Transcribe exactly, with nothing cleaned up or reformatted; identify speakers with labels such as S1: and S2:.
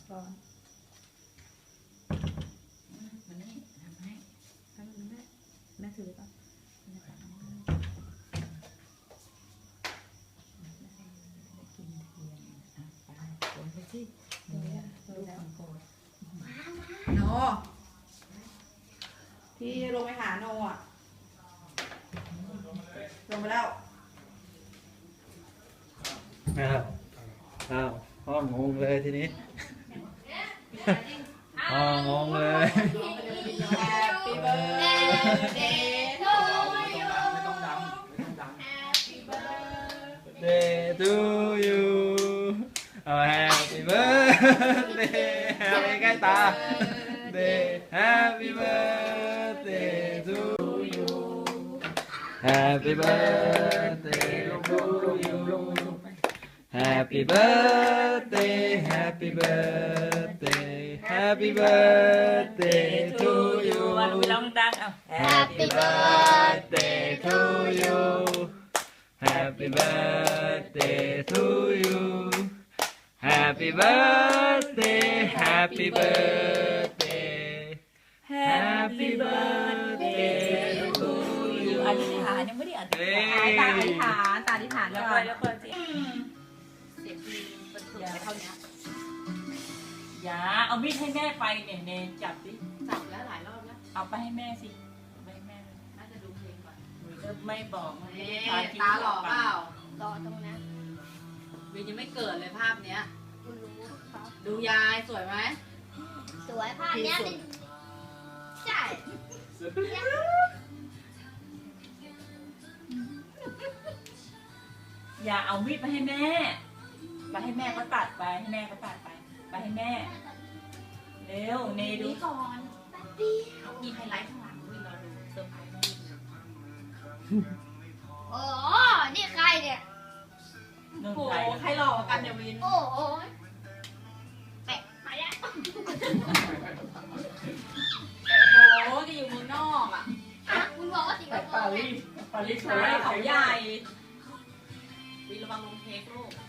S1: ร้อน
S2: มันนี่ทำให้ทำแม่แม่ถือป่ะกินเทียนอ่ะไปคนไปสิเนี่ยลูกของโกรธโนพี่ลงไปหาโนอ่ะลงไปแล้ว
S1: อ้าวอ้าวพ่องงเลยทีนี้พ่องงเลย
S2: Happy birthday to you Happy birthday
S1: Day to you oh, Happy birthday Happy ใกล้ตา Day Happy birthday to you Happy birthday to you Happy birthday Happy birthday Happy birthday to you
S2: วันไปร้องดังเอา
S1: Happy birthday to you Happy birthday to you Happy birthday Happy birthday Happy birthday to you
S2: อธิษฐานยังไม่ได้อธิษฐาน
S3: ตาอธิษฐานตาอธิษฐาน
S2: แล้ว
S3: ก่
S2: ก็
S3: อน
S2: แล้วก็สิ
S3: เสียงดีมันสุดไปเท่านี้
S2: อย่าเอามีดให้แม่ไปเนี่ยเนจับดิ
S3: จับแล้วหลายรอบแล้ว
S2: เอาไปให้แม่สิเอาไปให้แม่เลย
S3: น่าจะดูเพลงก่อน
S2: หนูก็ไม่บอกมันไม่
S3: เอ๊
S2: ได้ทา
S3: ะ
S2: ทิ้ง
S3: ตาหล่อเปล่า
S4: รอตรงนั้น
S3: วินยังไม่เกิดเลยภาพเนี้ย
S4: คุณรู้เขา
S3: ดูยายสวยไหม
S4: สวยภาพเนี้ยเป็นใช่
S2: อย่าเอามีดไปให้แม่ไปให้แม่ก็ตัดไปให้แม่ก็ตัดไปไปให้แม่เร็วเนดู
S4: นี่ก่อนแป๊บเดียว
S3: มีไฮไลท์ข้างหลังวินเราดูเซอร์ไพรส์วิน
S4: โอ้โหนี่ใครเนี่ย
S2: นุ่น
S3: โอ้
S2: ใจ
S3: โหใครหล่อกว่ากันเดี๋ยววิน
S4: โอ้โหแปะมาแล้ว
S3: โอ้โหที่อยู่เมืองนอกอ่ะ
S4: อ่ะคุณบอกว่าสิง
S2: ไป
S4: คโป
S2: ปา
S4: ร์ไง
S2: รีสปารีส
S3: ใช่เขาใหญ่วินระวังลงเค้กลูก